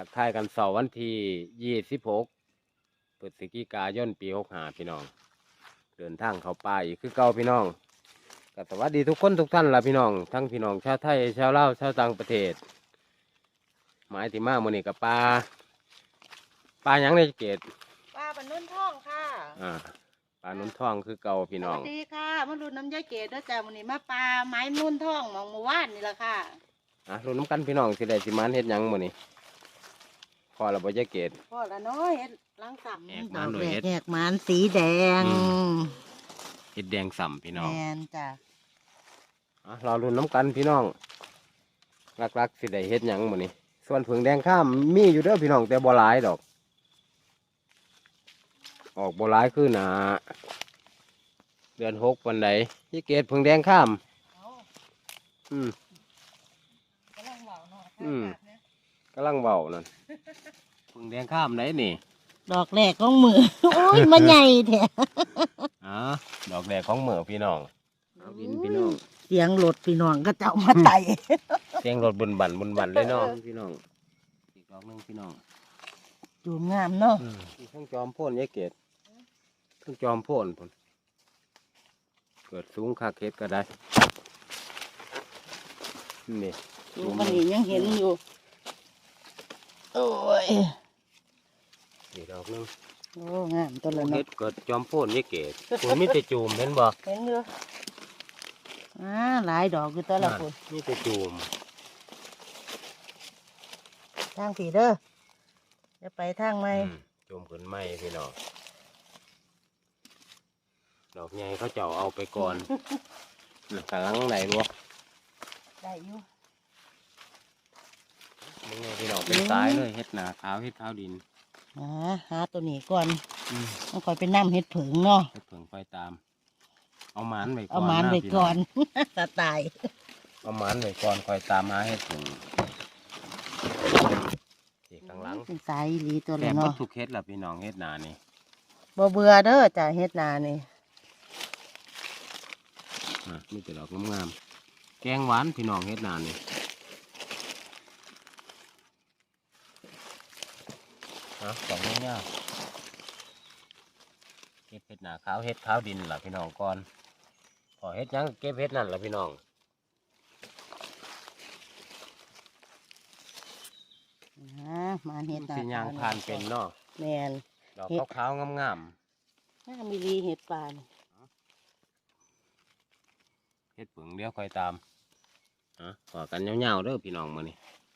กทายกันเสาร์วันที่26พฤศจิกายนปี65พี่น้องเดินทางเข้าป่าอีกคือเก่าพี่น้องก็สวัสดีทุกคนทุกท่านล่ะพี่น้องทั้งพี่น้องชาวไทยชาวลาวชาวต่างประเทศหมายที่มามื้อนี้กับปลาหยังในเกตป้าบรรนุนท่องค่ะปลานุ่นท่องคือเก่าพี่น้องสวัสดีค่ะมาดูน้ำยายเกดด้วยจ้าวันนี้มาปลาไม้นุ่นท่องมองเมื่อวานนี่แหละค่ะลุ้นน้ำกันพี่น้องสิได้สิมานเฮ็ดหยังมื้อนี้พอเราบ่จะเกตพ่อละน้อยเฮ็ดล้างสับแหกมันด้วยเฮ็ดแหกมันสีแดงเฮ็ดแดงส่ำพี่น้องแมนจ้ะเราลุ้นน้ำกันพี่น้องรักๆสิได้เฮ็ดหยังมื้อนี้ส่วนผึ่งแดงข้ามมีอยู่เด้อพี่น้องแต่บ่หลายดอกออกบ่หลายคือหนาเดือน6วันใดยี่เกตผึ่งแดงข้ามเอาอืมกำลังเหล่าเนาะอืม กำลังเบานั่นผึ่งแดงข้ามไหนนี่ดอกแรกของมือ โอ้ยมันใหญ่แท้ดอกแดงของเหมือพี่น้องเอาบินพี่น้องเสียงรถพี่น้องก็จะเอามาไต่เสียงรถบุญบันเลยเนาะพี่น้องอีกดอกหนึงพี่น้องจูมงามเนาะเครื่องจอมโพ่นยายเกตเครื่องจอมโพ่นพุ่นเกิดสูงคาเค็ดก็ได้นี่ดูมันนี่ยังเห็นอยู่โอ้ยอีกดอกหนึงโอ้งามตัวละเฮ็เนาะดเกิดจอมโพ่นยายเกตคุณมีแต่จูมเห็นบ่เห็นอยู่หลายดอกอยู่ตัวละคนมีแต่จูมทางผีเด้อจะไปทางไหมจูมขึ้นไม้พี่น้องดอกใหญ่เขาเจ้าเอาไปก่อนกำลังไหนรู้ได้อยู่มึงไงพี่น้องเป็นสายเลยเฮ็ดหนาขาวเฮ็ดขาวดินหาตัวนี้ก่อนต้องคอยไปนั่เห็ดผึ่งเนาะเฮ็ดเผิงไฟตาม เอาหมานไว้ก่อนเอามันไปพี่ก่อนงสไตล์เอาหมานไว้ก่อนคอยตามหาเฮ็ดเผิงที่ข้างหลังเป็นสายอีหลีตัวแต่ละบ่เนาะทุกเฮ็ดล่ะพี่น้องเฮ็ดหนานี่บ่เบื่อเด้อจ้ะเฮ็ดนานี่มีแต่ดอกงามๆแกงหวานพี่น้องเฮ็ดหนานี่สองเงี้ยเก็บเฮ็ดหนาขาวเฮ็ดขาวดินล่ะพี่น้องก่อนพอเฮ็ดหยังก็เก็บเฮ็ดนั่นล่ะพี่น้องมาเฮ็ดนาสิย่างผ่านเป็นเนาะแม่นดอกขาวๆงามงามอีหลีเฮ็ดปานๆเฮ็ดเผิงเดี๋ยวคอยตามขอกันยาวๆเด้อพี่น้องมื้อนี้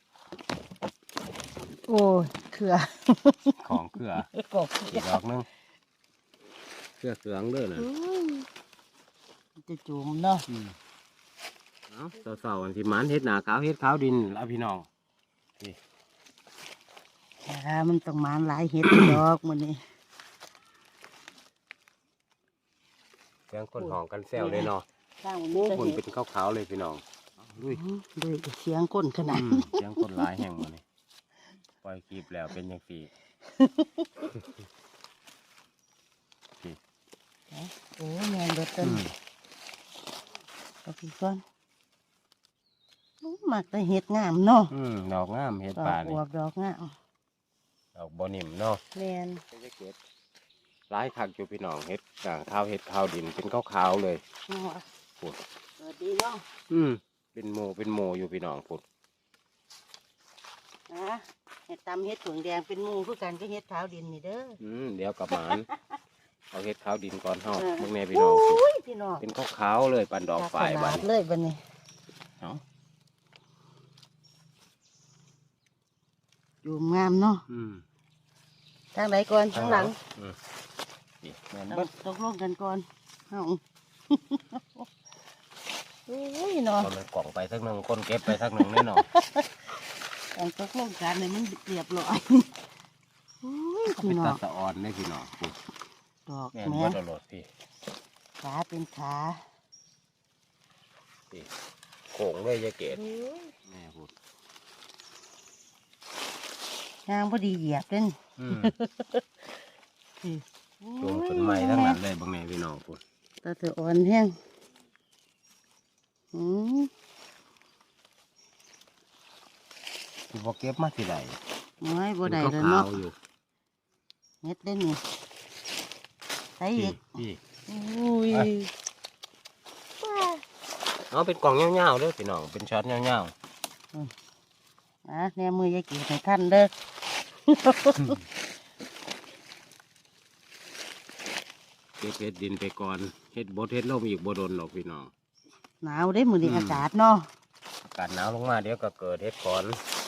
โอ้ยเขือของเครือกบอีกดอกหนึงเครือเขืองเด้อน่ะจะจุ่มเนาะเสาๆอันที่หมันเฮ็ดหนาขาวเฮ็ดขาวดินแล้วพี่น้องมันต้องมานหลายเฮ็ด ดอกมื้อนี้เสียงคนห้องกันแซวเลยเนาะสร้างมื้อคนเฮ็ดเป็นขาวๆเลยพี่น้องลุยด้วยเสียงก้นขนาดเสียงคนหลายแห่งมื้อนี้ปล่อยคลิปแล้วเป็นจังซี่โอ้แม่นเบิดต้นเอาพี่ก่อนมักแต่เฮ็ดงามเนาะดอกงามเฮ็ดดอกป่าอนี่วบดอกงามดอกบ่นิ่มเนาะแม่นหลายคักอยู่พี่น้องเฮ็ดขาวเฮ็ดขาวดินเป็นขาวๆเลยเนาะพูดสวัสดีเนาะเป็นโมอยู่พี่น้องพูดเฮ็ดตำเฮ็ดถุงแดงเป็นหมู่คือกันก็เฮ็ดขาวดินนี่เด้อเดี๋ยวกลับมาเอาเฮ็ดขาวดินก่อนเฮาเออเบิ่งแน่พี่น้องสิโอ้ยพี่น้องเป็นขาวๆเลยปันดอกฝ่ายตบัลาดดเลยบัดนี้เนาะอยู่งามเนาะทางไหนก่อนทางหลังนี่แม่นเอาเบิดตกลงกันก่อนเฮาโอ้ยเนาะมันกล่องไปทักหนึงคนเก็บไปทักหนึงแน่นอนต้องตกลงกันให้มันเรียบร้อยโอ้ยเป็พี่นน้อตาง สะออนได้พี่น้องพูดดอกแม่นแม่เบิดเอาโลดพี่ขาเป็นขาโขงเลยยายเกดแม่พูดยางพอดีเหยียบเล่นลงต้นไม้ทั้งนั้นเลยบางแน่พี่น้องพูดตาเธออ่อนแห้งอืมที่พอเก็บมาที่ไหนโอ้ยบ่ได้เป็นแล้วขาวเนาะๆอยู่เฮ็ดได้นี่ใส่อีกพี่อุ้ยเอาเป็นกล่องเงาวๆเด้อพี่น้องเป็นช็อตเงาวแนมือยายเกีให้ท่านเด้อๆเฮ็ดดินไปก่อนเฮ็ดบดเฮ็ดลมอีกบ่โดนหรอกพี่น้องหนาวได้มือดีอากาศเนาะอากาศหนาวลงมาเดี๋ยวก็เกิดเฮ็ดก่อน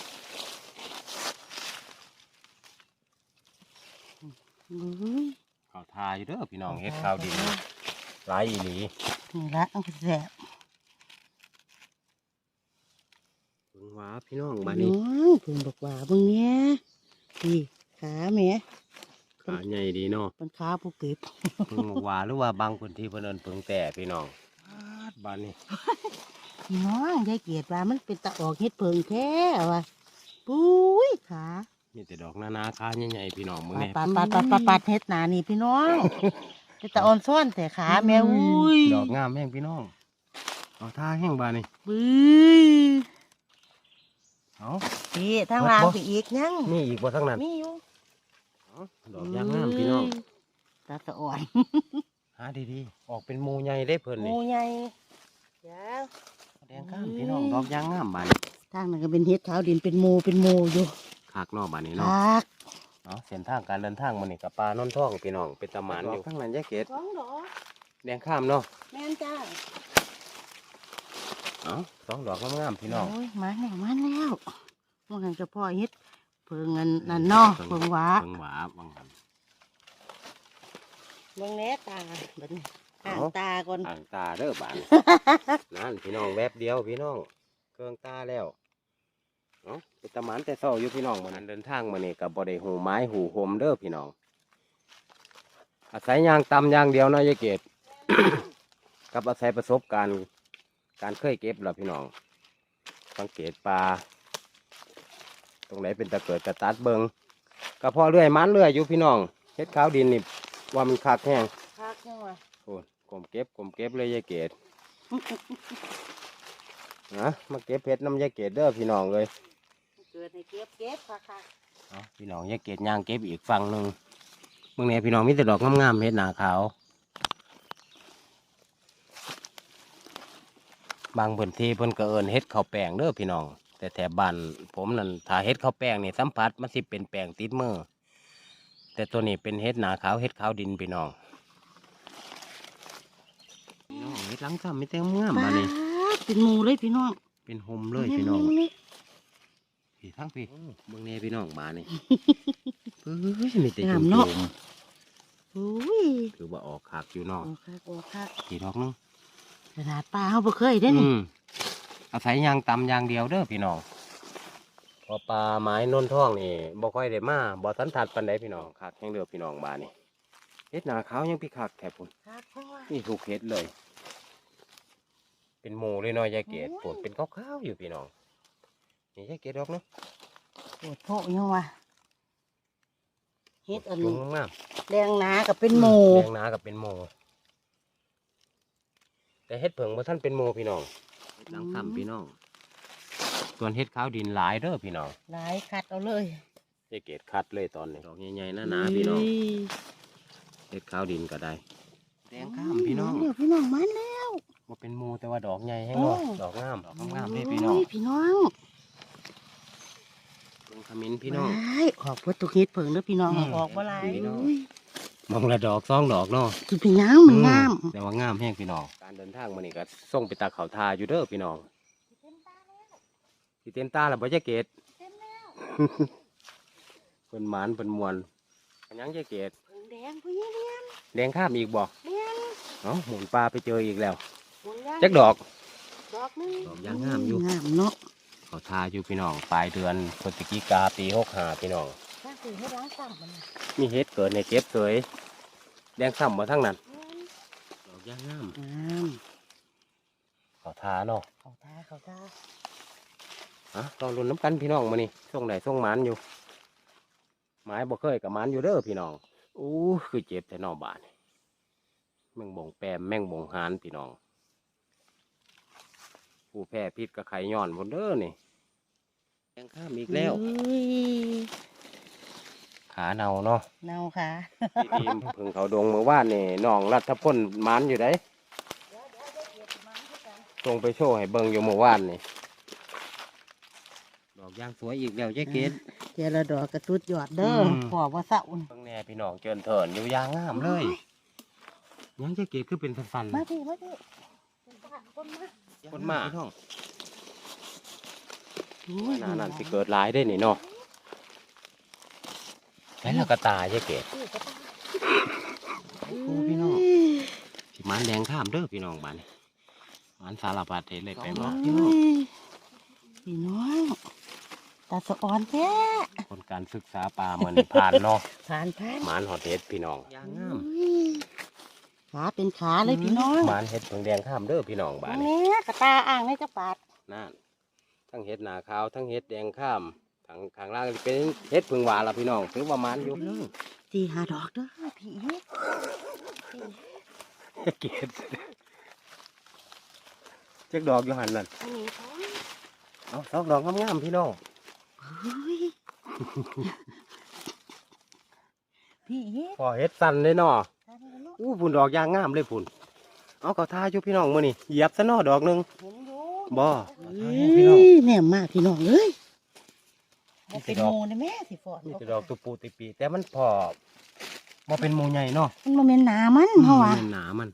อุ้ยข้าวทาอยู่เด้อพี่น้องเฮ็ดข้าวดินหลายอีหลีนี่ละเอาไปแซ่บเบิ่งหว่าพี่น้องน้บ้าอนนี้งเพิ่งบอกว่าเบิ่งเนี้ยนี่ขาแหม่ขาใหญ่ดีเนาะเป็นขาผู้เก็บเพิ่งบอกว่าหรือว่าบางพื้นที่เพิ่นเอิ้นเพิ่งแต่พี่น้องบ้านนี้พี่น้องยายเกีว่ามันเป็นตะออกเฮ็ดเพิงแท้ว่ะปุ้ยขามีแต่ดอกนานาขาใหญ่ๆพี่น้องมื้อนี้ปัดเฮ็ดหนานี่พี่น้องเป็นตะอ่อนซ่อนแต่ขาแม่อุ้ยดอกงามแห้งพี่น้องเอาท่าแห้งบ้านนี้บึ้ยเอาพี่ทางล่างไปอีกยังมีอีกบ่ทั้งนั้นมีอยู่เอาดอกยางงามพี่น้องตาตะอ่อนหาดีๆออกเป็นหมู่ใหญ่ได้เพิ่นหนี่มูใหญ่ยาวแดงงามพี่น้องดอกยางงามบ้านนี้ทางนั้นก็เป็นเฮ็ดขาวดินเป็นหมูอยู่คักเนาะบ้านนี้คเนาะักเอาเส้นทางการเดินทางมื้อนี้กับปลานนท่องพี่น้องเป็นตะหมานอยู่ข้างนั้นยายเกดสองดอกแดงข้ามเนาะแม่นจ้าเอาสองดอกงามๆพี่น้องโอ้ยมาแล้วมันหันกับพ่อเฮ็ดเพิ่งเงินนั่นเนาะเพิ่งหวาเพิ่งหวาบางหันเบิ่งแน่ตาบัดนี้ห่างเอาตาก่อนอ่างตาเด้อบาน นั่นพี่น้องแวบเดียวพี่น้องเครื่องตาแล้วเนาะเป็นตะหมานแต่เศร้าอยู่พี่น้องมันเดินทางมานี่กับบ่ได้หูไม้หูโฮมเด้อพี่น้องอาศัยยางตำยางเดียวเนาะยายเกด กับอาศัยประสบการณ์การเคยเก็บล่ะพี่น้องสังเกตปลาตรงไหนเป็นตะเกิดตะตัดเบิงก็พอเรื่อยมันเรื่อยอยู่พี่น้องเฮ็ดขาวดินนี่ว่ามันคักแห้งคักจังวะโอ้ยกลมเก็บเลยยายเกด นะมาเก็บเพชรน้ำยายเกดเด้อพี่น้องเลยเกิดให้เก็บคักเอาพี่น้องยายเกดย่างเก็บอีกฝั่งหนึ่งเมื่อนี้พี่น้องมีแต่ดอกงามๆเฮ็ดหนาขาวบางพื้นที่เพิ่นก็เอิ้นเฮ็ดข้าวแป้งเด้อพี่น้องแต่แถบบ้านผมนั่นถ้าเฮ็ดข้าวแป้งนี่สัมผัสมันสิเป็นแป้งติดมือแต่ตัวนี้เป็นเฮ็ดหนาขาวเฮ็ดขาวดินพี่น้องพี่น้องเฮ็ดหลังซ้ำมีแต่งามๆๆมานี่เป็นหมูเลยพี่น้องเป็นโฮมเลยพี่น้อง พี่ทั้งพี่เมืองเนพี่น้องมานี่ เฮ้ยมีแต่จุ่มอุ้ยถือว่าออกขากอยู่เนอกโอ้คักกี่ดอกนึงขนาดปลาเขาบ่เคยได้อนี่อาศัยยางตำยางเดียวเด้อพี่น้องพอปลาไม้นนท่องนี่บ่ค่อยได้มาบ่สันทัดปันใดพี่น้องขากยังเดือพี่น้องมานี่เฮ็ดหนาขาวยังพี่ขากแถบพุ่นคักจังวะนี่ถูกเฮ็ดเลย เป็นหมูเลยเนาะยายเกดปวดเป็นขาวๆอยู่พี่น้องนี่ยายเกดดอกเนาะโอ้โหยังวะเฮ็ดอันจุ่นี้มงามแดงหนากับเป็นหมูแดงหนากับเป็นโมแต่เฮ็ดเผิงบ่ท่านเป็นโมพี่น้องเฮ็ดหลังซ้ำพี่น้องส่วนเฮ็ดขาวดินหลายเด้อพี่น้องหลายคัดเอาเลยยายเกดคัดเลยตอนนี้ดอกใหญ่ๆหนาๆพี่น้องเฮ็ดขาวดินก็ได้แดงข้ามพี่น้องเดี๋ยวพี่น้องมันแล้วบ่เป็นโมแต่ว่าดอกใหญ่แห้งเนาะโอ้ดอกงามดอกงามๆเด้พี่น้องโยพี่น้องเบิ่งขมิ้นพี่น้องว้ายออกเพื่อตุกเฮ็ดเผิงเด้อพี่น้อง ออกบ่หลายพี่น้องอุ้ยมองละดอกสองดอกเนาะคือพี่น้ำมันงามแต่ว่างามแห้งพี่น้องการเดินทางมานี่ก็ส่งไปตาเขาทาอยู่เด้อพี่น้องที่เต็มตาแล้วบ่ยายเกด เพิ่นหมานเพิ่นมวนอันยังยายเกดเผิงแดงพี่เลี้ยงแดงข้ามอีกบ่เลี้ยงเนาะหมุนปลาไปเจออีกแล้วหมุนย่างจักดอกดอกนึงดอกยางงามอยู่งามเนาะเขาทาอยู่พี่น้องปลายเดือนพฤศจิกาปี65พี่น้องถ้าคือให้ล้างต่ำมันน่ะมีเฮ็ดเกิดในเก็บเสยแดงซ้ำมาทั้งนั้นดอกยางงามงามเขาทาเนาะเขาทาลองรุนน้ำกันพี่น้องมานี่ส่งไหนส่งหมันอยู่ไม้บ่เคยกับหมันอยู่เด้อพี่น้องอู้คือเจ็บแต่นอกบ้านแม่งบ่งแปมแม่งบ่งหานพี่น้องผู้แพ้พิษกับไข่ย้อนหมดเด้อนี่แดงข้ามอีกแล้วอุ้ยขาเนาเนาะเนาค่ะทีมพึ่งเขาดงเมื่อวานนี่น้องรัฐพลหมันอยู่ได้ส่งไปโชว์ให้เบิ่งอยู่เมื่อวานนี่ดอกยางสวยอีกแล้วเจ๊เกศเจรดอกกระตุ้ดยอดเด้อมขอว่าเศร้าเบิ่งแน่พี่น้องเจินเถินอยู่ยางงามเลยยังเจ๊เกศคือเป็นสันๆมาพี่มาพี่เป็นบ้านคนมาคนมาพี่น้องอุ้ยหน้านั่นสิเกิดหลายได้นี่เนาะแล้วเราก็ตายเจ๊เกศอุ้ยกระตายโอ้พี่น้องสิหมันแดงข้ามเด้อพี่น้องบ้านนี้หมันสารพัดเห็นเลยไปบ่พี่น้องพี่น้องตาสะอ่อนแท้คนการศึกษาปลาเหมือนผ่านเนาะผ่านหมันหอดเห็ดพี่น้องยางงามอุ้ยขาเป็นขาเลยพี่น้องหมันเห็ดเพิ่งแดงข้ามเด้อพี่น้องบ้านนี้เนี่ยกระตาอ่างในกระปาดนั่นทั้งเห็ดหนาขาวทั้งเห็ดแดงข้ามทั้งข้างล่างเป็นเห็ดเพึ่งหวานละพี่น้องถือว่ามันอยู่ตีหาดอกเด้อพี่เกศเจ๊กดอกอยู่หันนั่นอันนี้เขาเอาสองดอกงามๆพี่น้องเฮ้ยพี่พอเห็ดสั่นเลยเนาะตาเนี่ยลูกอู้พุ่นดอกยางงามเลยพุ่นเอาเขาท่าอยู่พี่น้องมื้อนี่เหยียบซะเนาะดอกหนึงเห็นอยู่บ่เฮ้พี่น้องยแน่มากพี่น้องเอ้ยบ่เป็นหมูนะแม่สิฟอดนี่จะดอกตุปูติปีแต่มันพอบ่เป็นหมูใหญ่เนาะมันบ่แม่นหนามันเพราะว่ามันหนามัน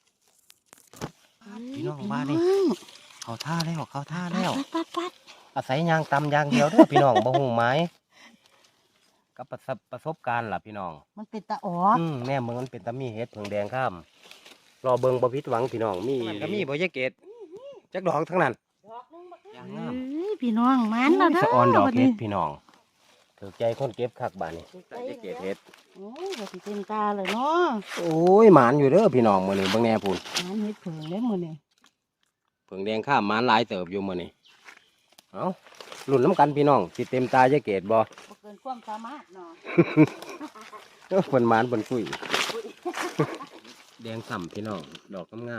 พี่น้องบ้านนี่ เขาท่าแล้วเขาท่าแล้วปัดอาศัยยางตำยางเดียวเด้อพี่น้อง บ่หูไม้กับประสบการณ์ล่ะพี่น้องมันเป็นตาออกแน่เมืองมันเป็นตะมีเฮ็ดเพิ่งแดงข้ามรอเบิ่งบ่ผิดหวังพี่น้องมีก็มีบ่ยายเกตจักดอกทั้งนั้น ยางงามเอ้ยพี่น้องมันแล้วเด้อสะออนดอกบัเฮ็นี้ดพี่น้องถูกใจคนเก็บคักบาดนี้ยายเกตเฮ็ดโอ้ยบ่สิเต็มตาเลยเนาะโอ้ยหมานอยู่เด้อพี่น้องมื้อนี้เบิ่งแน่พุ่นมันเฮ็ดเผิงเด้มื้อนี้เพิ่งแดงข้ามหมานหลายเติบอยู่มื้อนี้เอ้าลุ้นน้ำกันพี่น้องสิเต็มตายายเกตบ่บ่เกินความสามารถเนาะเพิ่นหมานเพิ่นคุย แดงส่ำพี่น้องดอกงาม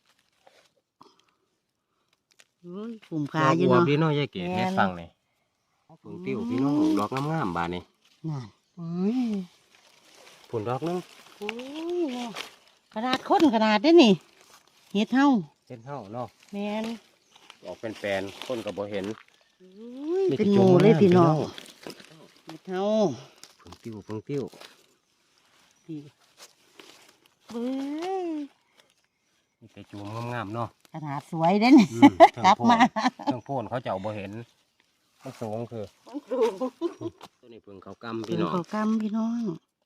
เฮ้ยกลุ่มๆขาอยู่ดอกเนาะพี่น้องยายเกตแม่นเฮ็ดฟังนี่เพิ่งติ้วพี่น้องดอกงามๆบาดนี้นั่นอุ้ยผุนดอกนึงอุ้ยเนาะขนาดคนขนาดได้นี่เฮ็ดเฮาเป็นเฮาเนาะแม่นออกเป็นแปลนคนก็บ่เห็นอุ้ยมีแต่เป็นหมูเลยจุ่มพี่น้องพี่น้องเฮ็ดเฮาเพิ่งติ้วพี่เบ้ยมีแต่จูมงามๆเนาะขนาดสวยเด้นี่อืมกลับมาเครื่องโพนเขาเจ้าบ่เห็นมันสูงคือตัวนี้เพิ่งเขากำพี่พี่น้น้ออง งกำพี่น้อง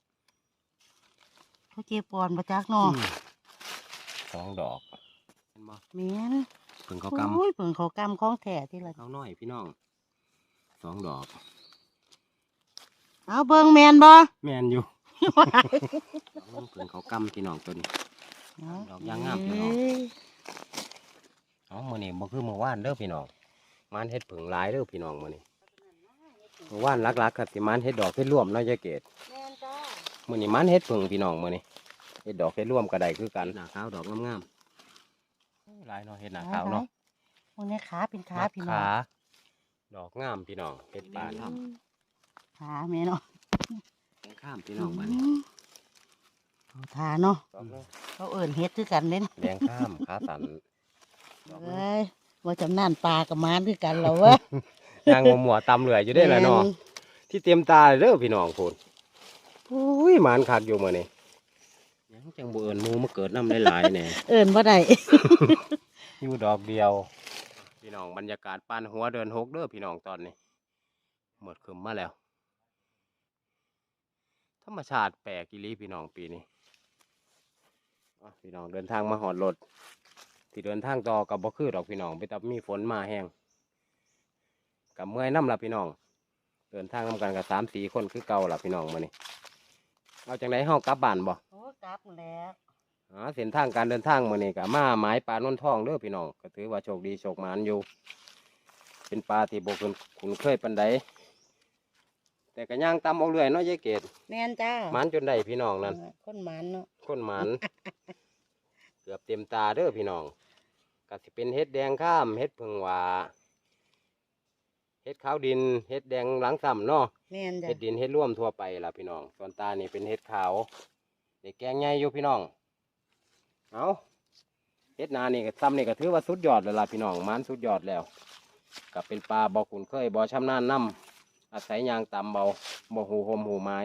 เขาเจ็บปอนประจักเนาะสองดอกเห็นบ่แม่นเพิ่งเขาโกอ้ยเปิ่งเขากำของแท้ที่ละำเขาน้อยพี่น้องสองดอกเอาเบิ่งแม่นบ่แม่นอยู่ เพิ่งเขากำพี่น้องตัวนี้ ดอกยางงามพี่น้องเอ้ยเอามื้อนี้บ่คือมื้อวานเด้อพี่น้องมันเฮ็ดผึ่งหลายเด้อพี่น้องมื้อนี้มื้อวานหลักๆก็สิมันเฮ็ดดอกเฮ็ดร่วมเนาะยายเกดแม่นจ้ามื้อนี้มันเฮ็ดผึ่งพี่น้องมื้อนี้เฮ็ดดอกเฮ็ดร่วมก็ได้คือกันหน้าขาวดอกงามๆหลายเนาะเฮ็ดหน้าขาวเนาะพวกนี้ขาเป็นขามักพี่น้องขาดอกงามพี่น้องเฮ็ดปานขาแม่เนาะข้ามพี่น้องบัดเขาทาเนาะดอกเนาะเขาเอิ่นเฮ็ดคือกันเล่นแดงข้ามขาสันดอกเอ้ยว่าจำนานปลากับมานคือกันเหรอวะยางมัวๆตำเหลือยอยู่ได้อล่ะเนาะที่เตรียมตาเลยเด้อพี่น้องพุ่นอุ้ยหมานคักอยู่มื้อนี้ยังจังบ่เอิ้นหมูมาเกิดน้ำหลายๆแหน่เอิ่นบ่ได้อยู่ดอกเดียว พี่น้องบรรยากาศปานหัวเดินหกเด้อพี่น้องตอนนี้หมดคืมมาแล้ว ธรรมชาติแปลกอีหลีพี่น้องปีนี้อ่ะพี่น้องเดินทางมาหอดรถที่เดินทางต่อกับบ่คือดอกพี่น้องไปตับมีฝนมาแห้งกับเมื่อยน้ำละพี่น้อง เดินทางนำกันกับ3-4 คนคือเก่าละพี่น้องมานี่เอาจังไรเฮากลับบ้านบ่โอ้กลับแล้วเส้นทางการเดินทางมื้อนี้ก็มาหมายปลาโนนทองเด้อพี่น้องก็ถือว่าโชคดีโชคหมานอยู่ เป็นปลาที่บ่คุ้นเคยปานใดแต่ก็ย่างตามเอาเรื่อยเนาะยายเกดแม่นจ้าหมานจนได้พี่น้องนั่นคนหมันเนาะคนหมาน เกือบเต็มตาเด้อพี่น้องก็สิเป็นเฮ็ดแดงข้ามเฮ็ดผึ่งหวาเฮ็ดขาวดินเฮ็ดแดงหลังซ้ำเนาะแม่นจ้ะเฮ็ดดินเฮ็ดร่วมทั่วไปล่ะพี่น้องส่วนตานี่เป็นเฮ็ดขาวเด็กแกงใหญ่อยู่พี่น้องเอาเฮ็ดนานี่ก็ซ้ำนี่ก็ถือว่าสุดยอดแล้วล่ะพี่น้องมันสุดยอดแล้วก็เป็นปลาบ่คุ้นเคยบ่ชำนาญนำอาศัยยางตามเบาบ่หูหมหูไม้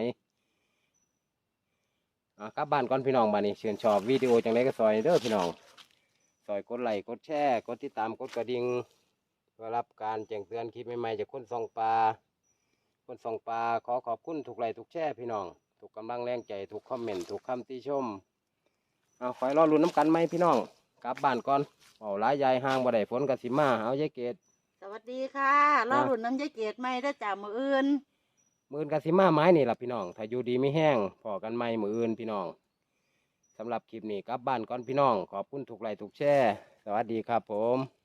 กลับบ้านก่อนพี่น้องบ้านนี้ชื่นชอบวิดีโอจังไดก็ซอยเด้อพี่น้องซอยกดไลค์กดแชร์กดติดตามกดกระดิ่งเพื่อรับการแจ้งเตือนคลิปใหม่ๆจากคนส่องปลาขอขอบคุณทุกไลค์ทุกแชร์พี่น้องทุกกำลังแรงใจทุกคอมเมนต์ทุกคำติชมเอาคอยรอลุ้นน้ำกันไหมพี่น้องกลับบ้านก่อนเอาหลายยายห่างบ่ได้ฝนกสิมาเอายายเกดสวัสดีค่ะรอรุ่นน้ำยายเกดใหม่เด้อจ้ามื้ออื่นมื้ออนกสิมาไม้นี่ล่ะพี่น้องถ้าอยู่ดีไม่แห้งพอกันไหมมื้ออื่นพี่น้องสำหรับคลิปนี้กลับบ้านก่อนพี่น้องขอบคุณทุกไลค์ทุกแชร์สวัสดีครับผม